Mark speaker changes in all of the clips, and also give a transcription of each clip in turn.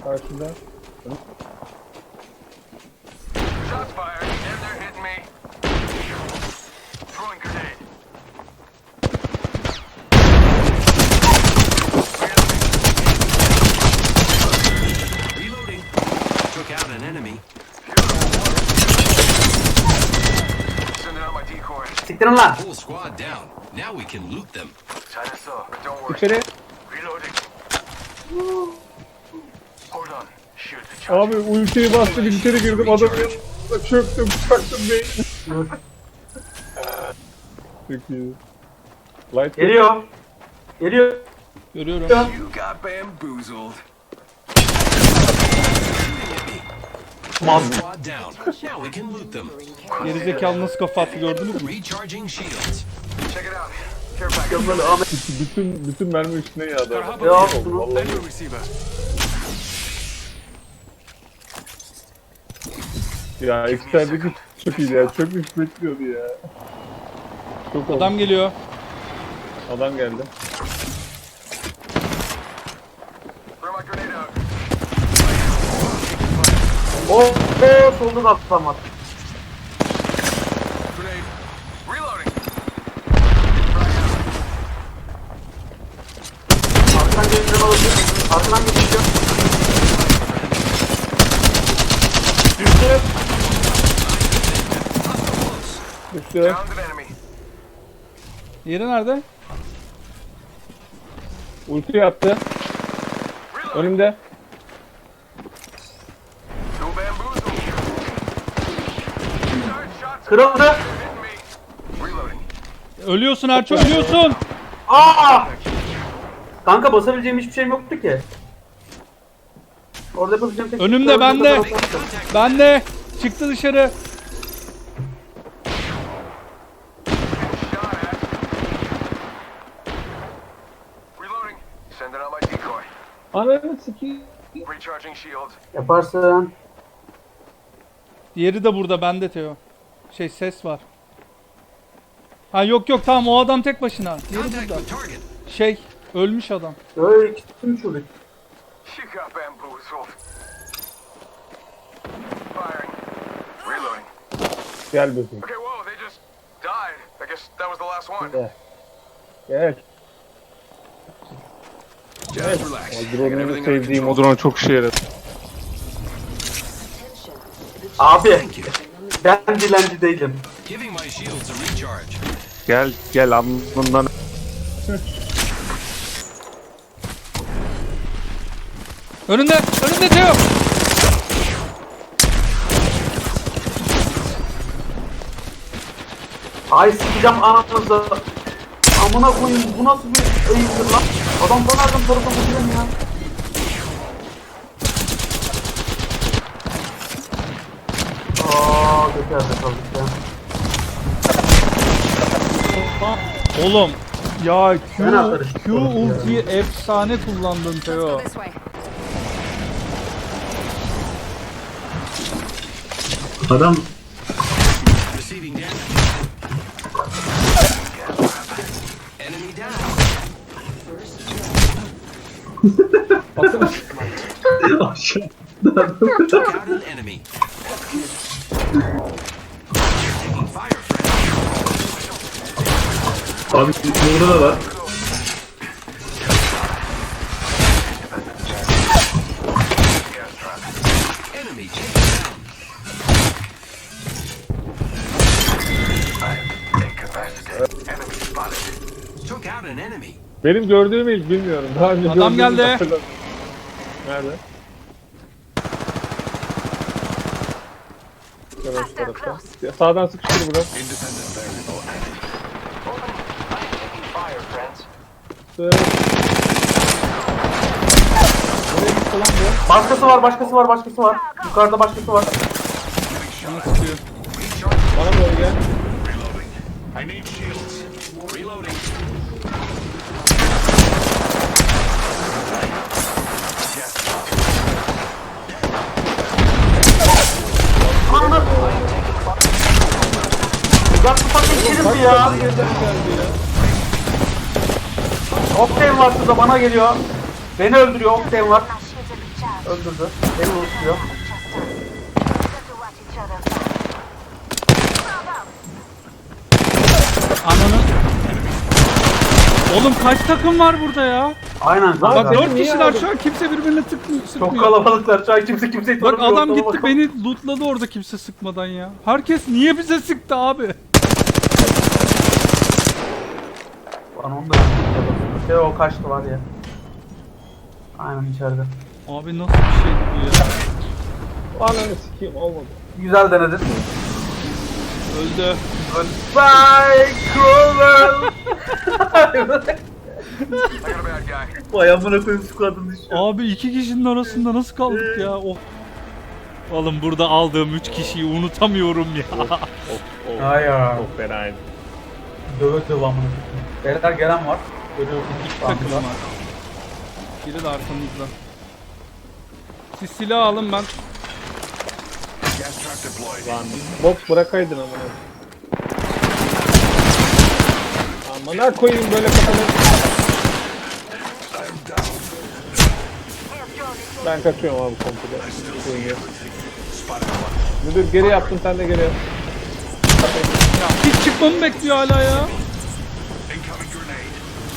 Speaker 1: Karşıda.
Speaker 2: Shots fired, and they're hitting me. Throwing grenade.
Speaker 3: Reloading. Took out an enemy.
Speaker 2: Sending out my decoy.
Speaker 4: Siktirin lan.
Speaker 3: Whole squad down. Now we can loot them.
Speaker 2: China saw, but don't worry.
Speaker 1: İçeri.
Speaker 2: Reloading. Hold on. Shoot the charge.
Speaker 1: Abi ultiyi bastı bir içeri girdim adamın yanına çöktüm çaktım beynini. Çok iyi. Light
Speaker 4: Geliyor. Geliyor.
Speaker 5: Görüyorum.
Speaker 2: You got bamboozled.
Speaker 3: Whole squad down. Now we can loot them.
Speaker 5: Gerizekalı nasıl kafa attı gördünüz mü?
Speaker 3: Recharging shields.
Speaker 2: Check it out. Care package.
Speaker 4: Böyle Ahmet.
Speaker 1: bütün mermi üstüne yağdı.
Speaker 4: Ya şunu.
Speaker 2: Endo receiver.
Speaker 1: Ya eksterdeki çok iyiydi ya. Çok üst bekliyordu ya. Çok
Speaker 5: Adam geliyor.
Speaker 1: Adam geldi.
Speaker 2: Throw my grenade out.
Speaker 4: Solda da atlamaz.
Speaker 2: Grenade. Reloading.
Speaker 4: Arkadan geleceğim olabilir. Arkadan geleceğim.
Speaker 1: Düştü. Düştü.
Speaker 2: Downed an enemy.
Speaker 5: Yeri nerede?
Speaker 1: Ulti yaptı.
Speaker 2: Reloading.
Speaker 1: Önümde.
Speaker 2: No bamboozle. Start shots.
Speaker 4: Kırıldı.
Speaker 2: They're hitting me. Reloading.
Speaker 5: Ölüyorsun Erço, ölüyorsun.
Speaker 4: Aa! Kanka basabileceğim hiçbir şeyim yoktu ki. Orada yapabileceğim tek
Speaker 5: Önümde,
Speaker 4: şey-
Speaker 5: bende. Ben de. Çıktı dışarı.
Speaker 2: Shot at. Reloading. Sending out my decoy.
Speaker 1: Ananı sikeyim.
Speaker 2: Recharging shield.
Speaker 4: Yaparsın.
Speaker 5: Diğeri de burada, bende Teo. Ses var. Ha yok tamam, o adam tek başına. Diğeri
Speaker 3: Contact
Speaker 5: burada.
Speaker 3: with target.
Speaker 5: Ölmüş adam.
Speaker 4: Öyle ikisi şurada.
Speaker 2: You got bamboozled. Firing. Reloading.
Speaker 1: Gel bakayım.
Speaker 2: Okay, whoa, they just died. I guess that was the last one.
Speaker 1: Gel. Gel.
Speaker 3: Just relax. I got
Speaker 1: Drone'un
Speaker 3: everything under
Speaker 1: sevdiğim o
Speaker 3: control.
Speaker 1: drone çok işe yaradı.
Speaker 4: Abi
Speaker 3: Thank you.
Speaker 4: ben dilenci değilim.
Speaker 3: Giving my shields a recharge.
Speaker 1: Gel alnından.
Speaker 5: Önünde Teo.
Speaker 4: Ay sikeceğim anasını. Amına koyayım bu nasıl bir eğitimdir lan? Adam bana nereden tarafa vuruyor ya? Aaa geçerse kaldık ya.
Speaker 5: Oğlum. Ya
Speaker 4: Ben atarım.
Speaker 5: Q ultiyi efsane kullandın Teo.
Speaker 6: This way.
Speaker 4: Adam
Speaker 3: Receiving damage. Enemy down. Took out an enemy. Taking fire, friend.
Speaker 4: abi burada da var.
Speaker 3: Enemy taken down.
Speaker 2: Enemy spotted.
Speaker 3: Took out an enemy.
Speaker 1: Benim gördüğüm ilk bilmiyorum. Daha önce
Speaker 5: Adam
Speaker 1: gördüğümü
Speaker 5: geldi.
Speaker 1: hatırlamıyorum. Nerede? Evet, tarafta. Ya, sağdan sıkıştır bro.
Speaker 2: Independent variable added. Open. I'm taking fire, friends.
Speaker 1: Evet. Nereye gitti lan bu?
Speaker 4: Başkası var. Yukarıda başkası var.
Speaker 5: Bana sıkıyor.
Speaker 1: Bana doğru gel.
Speaker 2: Reloading. I need shields.
Speaker 3: Reloading.
Speaker 4: Ananı. Uzak tutak geçeriz ya. Octane var şurada bana geliyor. Beni öldürüyor Octane var.
Speaker 6: My shields are recharged.
Speaker 4: Öldürdü. Beni unutuyor.
Speaker 5: Ananı. Oğlum kaç takım var burada ya?
Speaker 4: Aynen
Speaker 5: Bak
Speaker 4: kanka.
Speaker 5: 4
Speaker 1: niye
Speaker 5: kişiler
Speaker 1: aldın?
Speaker 5: şu an kimse birbirine
Speaker 4: Çok
Speaker 5: sıkmıyor.
Speaker 4: kalabalıklar. Şu an kimse kimseyi
Speaker 5: Bak
Speaker 4: tanımıyor.
Speaker 5: adam
Speaker 4: Ortama
Speaker 5: gitti
Speaker 4: bakalım.
Speaker 5: beni lootladı orada kimse sıkmadan ya. Herkes niye bize sıktı abi?
Speaker 4: Lan onu da şey o kaçtı var ya. Aynen içeride.
Speaker 5: Abi nasıl bir şeydi bu ya?
Speaker 1: Ananı sikeyim olmadı.
Speaker 4: Güzel denedin.
Speaker 5: Öldü.
Speaker 4: Bye cruel. Vay amına koyayım şu kadın düşüyor.
Speaker 5: Abi 2 kişinin arasında nasıl kaldık ya? Oh. Oğlum burada aldığım 3 kişiyi unutamıyorum ya.
Speaker 1: Of of.
Speaker 4: Ay ya.
Speaker 1: Çok fenaydı.
Speaker 4: Döve döve amına koyayım. Beyler gelen var. Görüyorum.
Speaker 5: İki takım var. Biri de arkamızda. Siz silah alın ben.
Speaker 3: Gas trap deployed.
Speaker 1: Lan bot bırakaydın amına. Amına koyayım böyle kafanı. Ben kaçıyorum abi komple. Müdür geri yaptın sen de geri yap.
Speaker 5: Hiç çıkmamı bekliyor hala ya.
Speaker 3: Incoming grenade.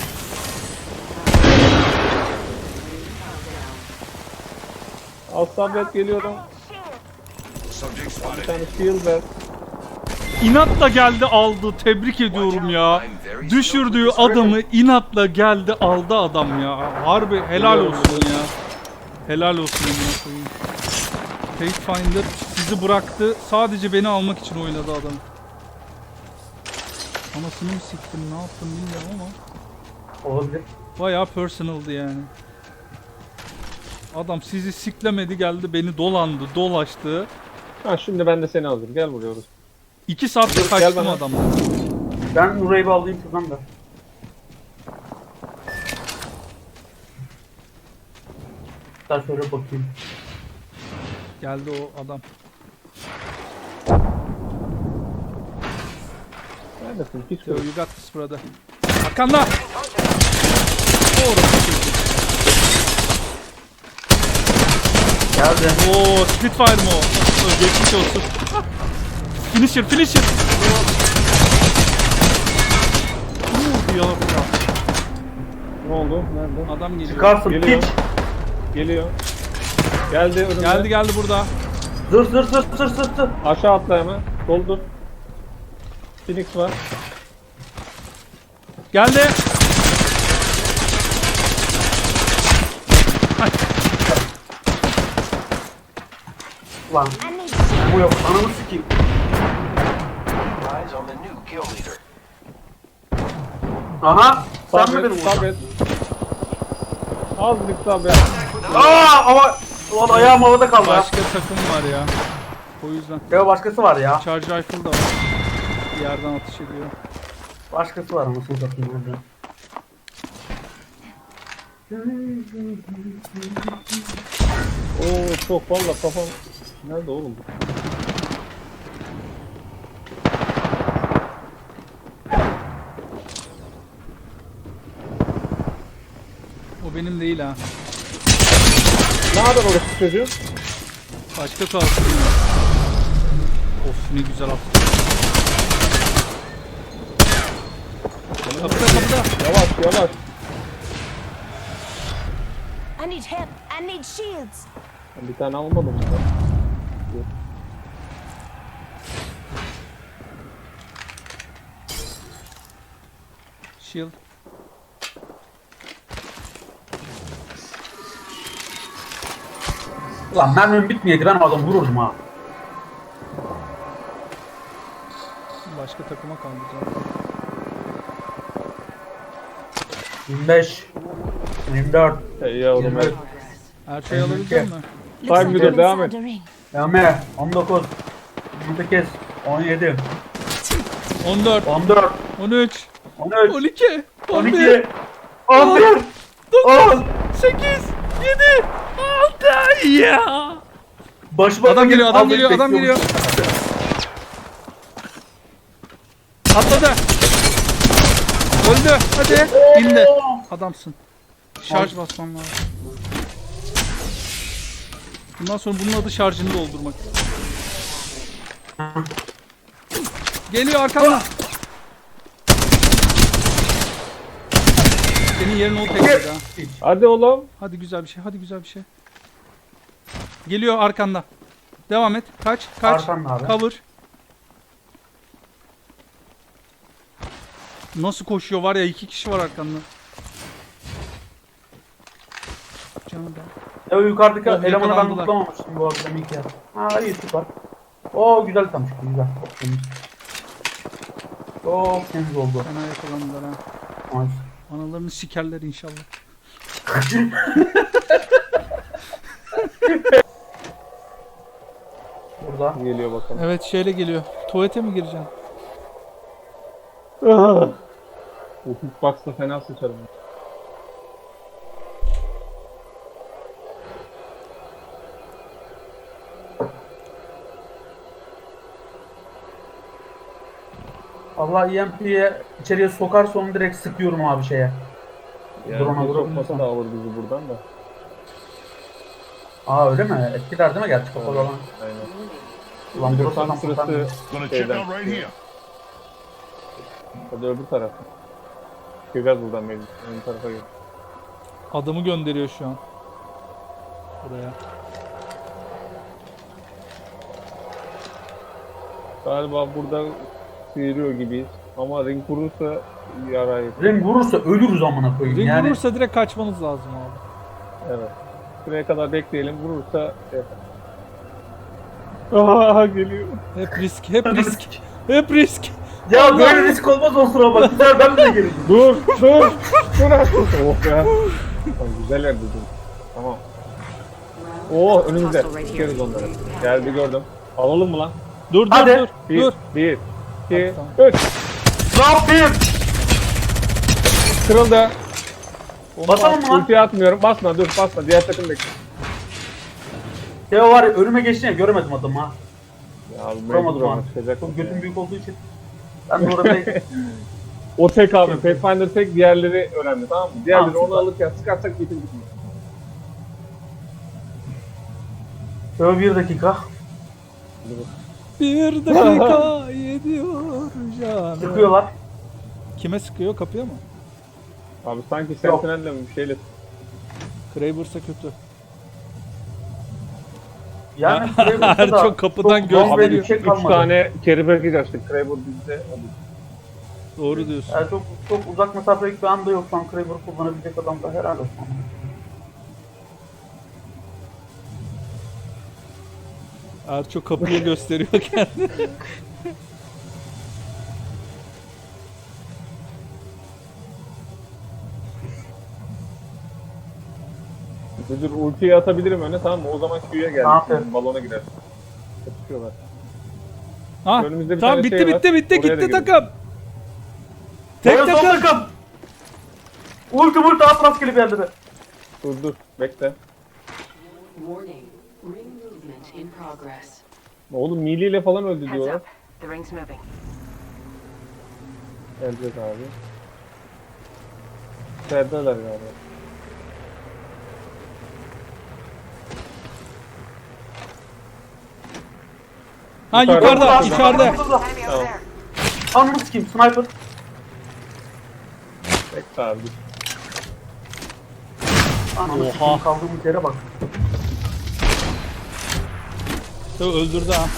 Speaker 1: Al sabret geliyorum.
Speaker 3: Subject
Speaker 1: Bir
Speaker 3: spotted.
Speaker 1: tane shield ver.
Speaker 5: İnatla geldi aldı. Tebrik ediyorum ya. Düşürdüğü adamı inatla geldi aldı adam ya. Harbi helal olsun ya. Helal olsun amına koyayım. Pathfinder sizi bıraktı. Sadece beni almak için oynadı adam. Anasını mı siktim ne yaptım bilmiyorum ama.
Speaker 4: Olabilir.
Speaker 5: Bayağı personaldı yani. Adam sizi siklemedi geldi beni dolandı dolaştı.
Speaker 1: Ha şimdi ben de seni aldım. Gel buraya orası.
Speaker 5: 2 saatte
Speaker 1: Gel
Speaker 5: kaçtım
Speaker 1: bana.
Speaker 5: adamdan.
Speaker 4: Ben Nuray'ı bir alayım şuradan da. Ben şöyle bakayım.
Speaker 5: Geldi o adam.
Speaker 1: Neredesin? Hiç
Speaker 5: So
Speaker 1: yok.
Speaker 5: you got this brother. Arkanda. Doğru.
Speaker 4: Geldi.
Speaker 5: Oo, Spitfire mı o? Geçmiş olsun. Finisher, finisher. Ya,
Speaker 1: Ne oldu? Nerede?
Speaker 5: adam geliyor.
Speaker 4: Çıkarsın
Speaker 1: Geliyor.
Speaker 4: piç.
Speaker 1: Geliyor. Geldi önümde.
Speaker 5: Geldi burada.
Speaker 4: Zır.
Speaker 1: Aşağı atla hemen. Doldur. Phoenix var.
Speaker 5: Geldi.
Speaker 4: Lan. Bu yok. Ananı sikeyim.
Speaker 2: Eyes on the new kill leader.
Speaker 4: Aha. Sen mi
Speaker 1: Sabret,
Speaker 4: beni vurdun?
Speaker 1: sabret. Azıcık sabret.
Speaker 4: Aaa ama. Ulan ayağım havada kaldı ya.
Speaker 5: Başka takım var ya. O yüzden.
Speaker 4: Ya başkası var ya.
Speaker 5: Charge rifle da var. Bir yerden atış ediyor.
Speaker 4: Başkası var ama şurada orada.
Speaker 1: Oo çok valla kafam. Nerede oğlum bu?
Speaker 5: O benim değil ha.
Speaker 1: Ne haber orası çocuğu?
Speaker 5: Başka kalsın ya. Of ne güzel attı. Kapıda.
Speaker 1: Yavaş yavaş.
Speaker 6: I need help. I need shields.
Speaker 1: Ben bir tane almadım mı?
Speaker 5: Shield.
Speaker 4: Ulan mermim bitmeyeydi ben o adamı vururdum ha.
Speaker 5: Başka takıma kaldı zaten.
Speaker 4: 25 24
Speaker 1: Hey yavrum
Speaker 4: 23
Speaker 1: hey.
Speaker 5: Her şeyi alabilecek mi?
Speaker 6: Looks
Speaker 1: Time
Speaker 6: like
Speaker 1: leader,
Speaker 6: I'm
Speaker 1: devam
Speaker 6: inside
Speaker 1: et.
Speaker 6: the ring.
Speaker 4: 20 19 28 17
Speaker 5: 14,
Speaker 4: 14
Speaker 5: 13,
Speaker 4: 13
Speaker 5: 12, 11,
Speaker 4: 12 11 10
Speaker 5: 8, 7, 6 ya.
Speaker 4: Başıma
Speaker 5: Adam geliyor, adam
Speaker 4: almayı
Speaker 5: geliyor, adam geliyor.
Speaker 4: bekliyormuş.
Speaker 5: Atladı. Öldü. Hadi. İndi. Adamsın. Şarj basman lazım. Bundan sonra bunun adı şarjını doldurmak. Geliyor arkamdan. Senin yerin o tekledi ha.
Speaker 1: Hadi oğlum.
Speaker 5: Hadi güzel bir şey, hadi güzel bir şey. Geliyor arkanda. Devam et. Kaç.
Speaker 4: Arkanda abi.
Speaker 5: Cover. Nasıl koşuyor var ya, 2 kişi var arkanda. Canım ben.
Speaker 4: Ya yukarıdaki
Speaker 5: Oh,
Speaker 4: elemanı ben
Speaker 5: yakalandılar.
Speaker 4: tutlamamıştım bu akşam ilk ya. Ha iyi süper. Oo güzel tam çıktı güzel. Çok temiz. Çok temiz oldu.
Speaker 5: Fena yakalandılar ha.
Speaker 4: Nice.
Speaker 5: Analarını sikerler inşallah.
Speaker 4: Burada.
Speaker 1: Geliyor bakalım.
Speaker 5: Evet şeyle geliyor. Tuvalete mi gireceksin?
Speaker 1: Bu hitbox'la fena sıçarım.
Speaker 4: Allah EMP'ye içeriye sokarsa onu direkt sıkıyorum abi şeye.
Speaker 1: Yani
Speaker 4: Drone'a
Speaker 1: bir
Speaker 4: vurabilirsen.
Speaker 1: sokması da alır bizi buradan da.
Speaker 4: Aa öyle mi? Etkiler değil mi gerçi kapalı olan?
Speaker 1: Aynen.
Speaker 4: Ulan
Speaker 1: Bir de
Speaker 4: burası
Speaker 1: tam
Speaker 4: tam
Speaker 1: sırası
Speaker 3: Gonna check
Speaker 1: şeyden
Speaker 3: out right
Speaker 1: çıkıyor.
Speaker 3: here.
Speaker 1: Hadi öbür taraf. Çıkacağız buradan mecbur. Ön tarafa gel.
Speaker 5: Adamı gönderiyor şu an. Buraya.
Speaker 1: Galiba burada sıyırıyor gibiyiz. Ama ring vurursa yarayı.
Speaker 4: Ring vurursa ölürüz amına koyayım
Speaker 5: Ring
Speaker 4: yani.
Speaker 5: vurursa direkt kaçmanız lazım abi.
Speaker 1: Evet. Şuraya kadar bekleyelim. Vurursa şey Aa geliyor.
Speaker 5: Hep risk, hep risk. Hep risk.
Speaker 4: Ya böyle risk olmaz o sıra bak. Güzel ben bile geleceğim.
Speaker 1: Dur. Oh be. Tamam, güzel yerde dur. Tamam. Oo önümüzde. Çıkarız onları. Geldi gördüm. Alalım mı lan?
Speaker 5: Dur dur
Speaker 4: Hadi.
Speaker 5: dur.
Speaker 1: Bir,
Speaker 5: Dur.
Speaker 1: bir, iki,
Speaker 5: Tamam.
Speaker 1: üç.
Speaker 4: Ne yapayım?
Speaker 1: Kırıldı.
Speaker 4: Basalım mı lan?
Speaker 1: Ultiye atmıyorum. Basma dur basma. Diğer takım bekle.
Speaker 4: Teo var ya önüme geçti ya göremedim adamı ha.
Speaker 1: Ya bu
Speaker 4: Vuramadım
Speaker 1: mecbur
Speaker 4: ha.
Speaker 1: ama çıkacak.
Speaker 4: Çok götüm büyük olduğu için. Ben de orada bir
Speaker 1: O tek abi. Pathfinder tek, diğerleri önemli tamam mı? Diğerleri
Speaker 4: Tamam,
Speaker 1: onu alırken sıkarsak bitir bitmiyor.
Speaker 4: Teo 1 dakika.
Speaker 5: Bir dakika yediyor canım.
Speaker 4: Sıkıyorlar.
Speaker 5: Kime sıkıyor? Kapıya mı?
Speaker 1: Abi sanki Sentinel'le mi bir şeyle
Speaker 5: Kraber'sa kötü.
Speaker 4: Yani Kraber'sa da
Speaker 5: Çok kapıdan
Speaker 4: çok
Speaker 5: göz
Speaker 4: bomba
Speaker 5: veriyor.
Speaker 4: bir şey
Speaker 1: 3
Speaker 4: kalmadı.
Speaker 1: tane carry package açtık. Kraber bizde olur.
Speaker 5: Doğru diyorsun.
Speaker 4: Yani çok uzak mesafelik bir anda yok. Şu an Kraber kullanabilecek adam da herhalde olsun.
Speaker 5: Erço kapıyı gösteriyor kendini.
Speaker 1: Dur ultiyi atabilirim öne tamam mı? O zaman Q'ya geldi.
Speaker 4: Aferin.
Speaker 1: Balona girer. Kapışıyorlar.
Speaker 5: Ha,
Speaker 1: Önümüzde bir
Speaker 5: tamam
Speaker 1: tane
Speaker 5: bitti
Speaker 1: şey var.
Speaker 5: bitti bitti
Speaker 1: Oraya da
Speaker 5: gitti
Speaker 1: girelim.
Speaker 5: takım. Tek
Speaker 4: Teo son
Speaker 5: takım.
Speaker 4: takım. Ulti at rastgele bir yerlere.
Speaker 1: Dur bekle.
Speaker 7: Warning. Ring movement in progress.
Speaker 1: Oğlum Melee ile falan öldü
Speaker 2: Heads
Speaker 1: diyorlar.
Speaker 2: up. The ring's moving.
Speaker 1: Gelecek abi. İçerideler galiba.
Speaker 5: Ha
Speaker 1: Yukarıda.
Speaker 5: yukarıda içeride.
Speaker 2: Enemy over there.
Speaker 4: Anını sikeyim sniper.
Speaker 1: Bekle abi. dur.
Speaker 4: Ananı
Speaker 5: Oha.
Speaker 4: sikeyim kaldığımız yere bak.
Speaker 5: Öldürdü ha.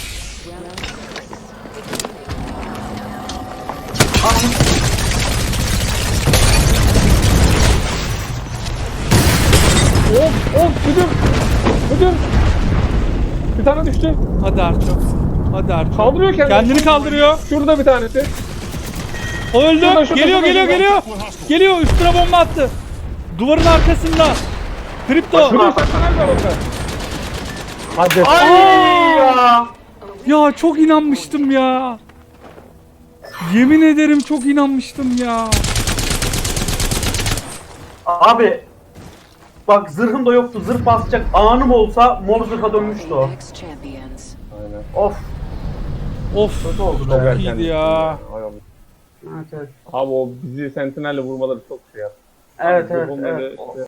Speaker 4: Ananı
Speaker 1: Of müdür. Müdür. Bir tane düştü.
Speaker 5: Hadi Erço. Hadi Erço.
Speaker 1: Kaldırıyor kendini.
Speaker 5: Kendini kaldırıyor.
Speaker 1: Şurada bir tanesi.
Speaker 5: O öldü.
Speaker 1: Şurada, şurada,
Speaker 5: Geliyor
Speaker 1: şurada,
Speaker 5: geliyor
Speaker 1: şurada.
Speaker 5: geliyor. Geliyor üstüne bomba attı. Duvarın arkasında. Kripto.
Speaker 1: Şurada Sentinel var orada. Hadi.
Speaker 4: Ay ya.
Speaker 5: Ya çok inanmıştım ya. Yemin ederim çok inanmıştım ya.
Speaker 4: Abi. Bak zırhım da yoktu. Zırh basacak anım olsa mor zırha dönmüştü o.
Speaker 7: Next champions.
Speaker 1: Aynen.
Speaker 4: Of.
Speaker 5: Of.
Speaker 4: Kötü oldu
Speaker 1: Çok
Speaker 4: be.
Speaker 1: erken.
Speaker 5: iyiydi ya.
Speaker 1: Hay Allah.
Speaker 4: Evet evet.
Speaker 1: Abi o bizi Sentinel'le vurmaları çok şey yaptı.
Speaker 4: Evet evet.
Speaker 1: Onları
Speaker 4: evet.
Speaker 1: işte